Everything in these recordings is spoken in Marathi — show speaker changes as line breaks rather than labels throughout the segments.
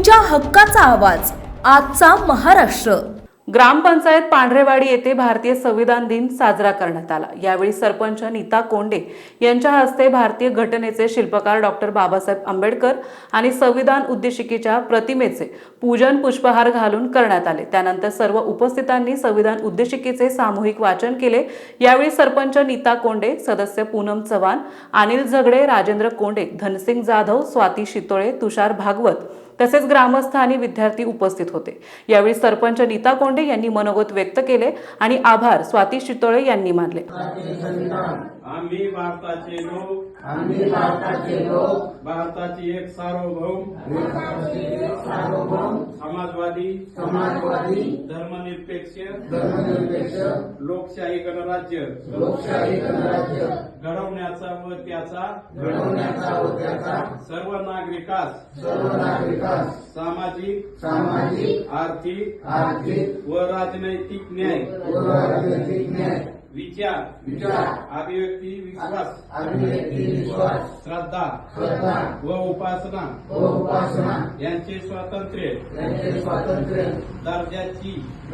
तुमच्या हक्काचा आवाज आजचा महाराष्ट्र।
ग्रामपंचायत पांढरेवाडी येथे भारतीय संविधान दिन साजरा करण्यात आला। यावेळी सरपंच नीता कोंडे यांच्या हस्ते भारतीय घटनेचे शिल्पकार डॉक्टर बाबासाहेब आंबेडकर आणि संविधान उद्देशिकेच्या प्रतिमेचे पूजन पुष्पहार घालून करण्यात आले। त्यानंतर सर्व उपस्थितांनी संविधान उद्देशिकेचे सामूहिक वाचन केले। यावेळी सरपंच नीता कोंडे, सदस्य पूनम चव्हाण, अनिल झगडे, राजेंद्र कोंडे, धनसिंग जाधव, स्वाती शितोळे, तुषार भागवत तसेच ग्रामस्थ आणि विद्यार्थी उपस्थित होते। यावेळी सरपंच नीता कोंडे यांनी मनोगत व्यक्त केले आणि आभार स्वाती शितोळे यांनी मानले।
आम्ही भारताचे लोक भारताची एक सार्वभौम समाजवादी धर्मनिरपेक्ष लोकशाही गणराज्य घडवण्याचा व त्याचा सर्व नागरिकास सामाजिक आर्थिक व राजनैतिक न्याय विचार अभिव्यक्ती विश्वास श्रद्धा व उपासना यांचे स्वातंत्र्य दर्जाची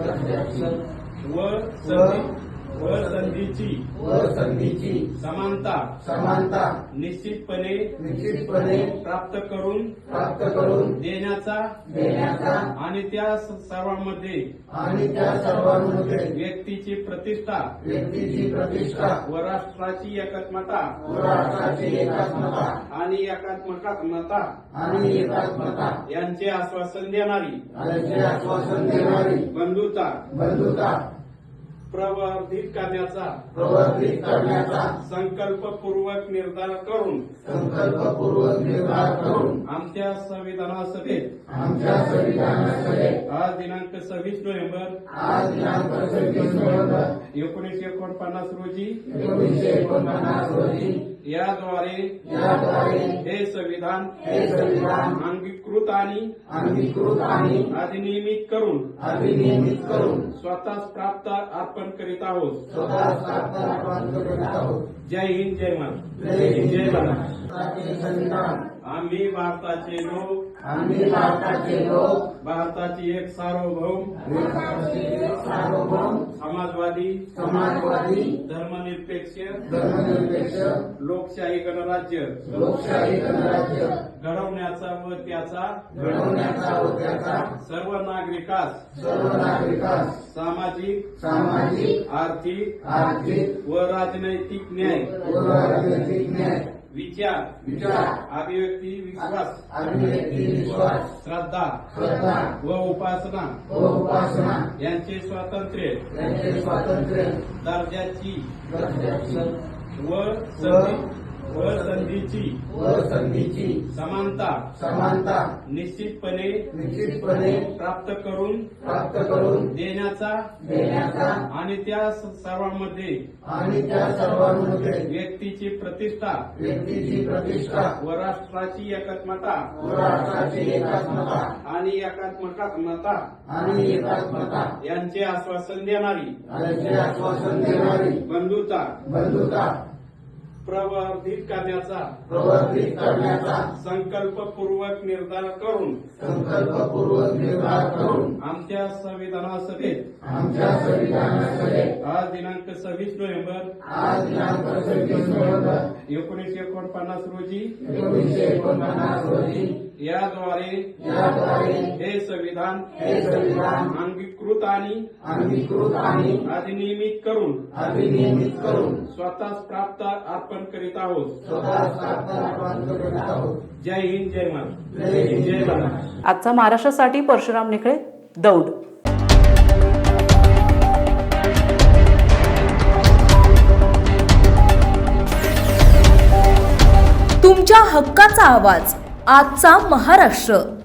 व संधीची समानता निश्चितपणे प्राप्त करून देण्याचा आणि त्या सर्वांमध्ये व्यक्तीची प्रतिष्ठा व राष्ट्राची एकात्मता आणि एकात्मता यांचे आश्वासन देणारी बंधुता प्रवर्धित करण्याचा संकल्पपूर्वक निर्धार करून आमच्या संविधानासभेत आज दिनांक 26 नोव्हेंबर 1949 रोजी याद्वारे हे संविधान अंगीकृत आणि अधिनियमित करून स्वतःच प्राप्त अर्पण करीत आहोत। जय हिंद, जय महाराष्ट्र, जय महाराष्ट्र। आम्ही भारताचे लोक भारताची एक सार्वभौम समाजवादी धर्मनिरपेक्ष लोकशाही गणराज्य घडवण्याचा व त्याचा सर्व नागरिकास सामाजिक आर्थिक व राजनैतिक न्याय विचार अभिव्यक्ती विश्वास श्रद्धा व उपासना यांचे स्वातंत्र्य दर्जाची व संधीची समानता निश्चितपणे प्राप्त करून देण्याचा आणि त्या सर्वांमध्ये व्यक्तीची प्रतिष्ठा व राष्ट्राची एकात्मता आणि एकात्मता यांचे आश्वासन देणारी बंधुता प्रवर्धित करण्याचा संकल्पपूर्वक निर्धार करून आमच्या संविधानासभेत आज दिनांक 26 नोव्हेंबर 1949 रोजी याद्वारे हे संविधान अंगीकृत आणि अधिनियमित करून स्वतःच प्राप्त अर्पण करीत आहोत। जय हिंद, जय महाराष्ट्र, जय महाराष्ट्र।
आजचा महाराष्ट्रासाठी परशुराम निखळे, दौंड।
तुमच्या हक्काचा आवाज आजचा महाराष्ट्र।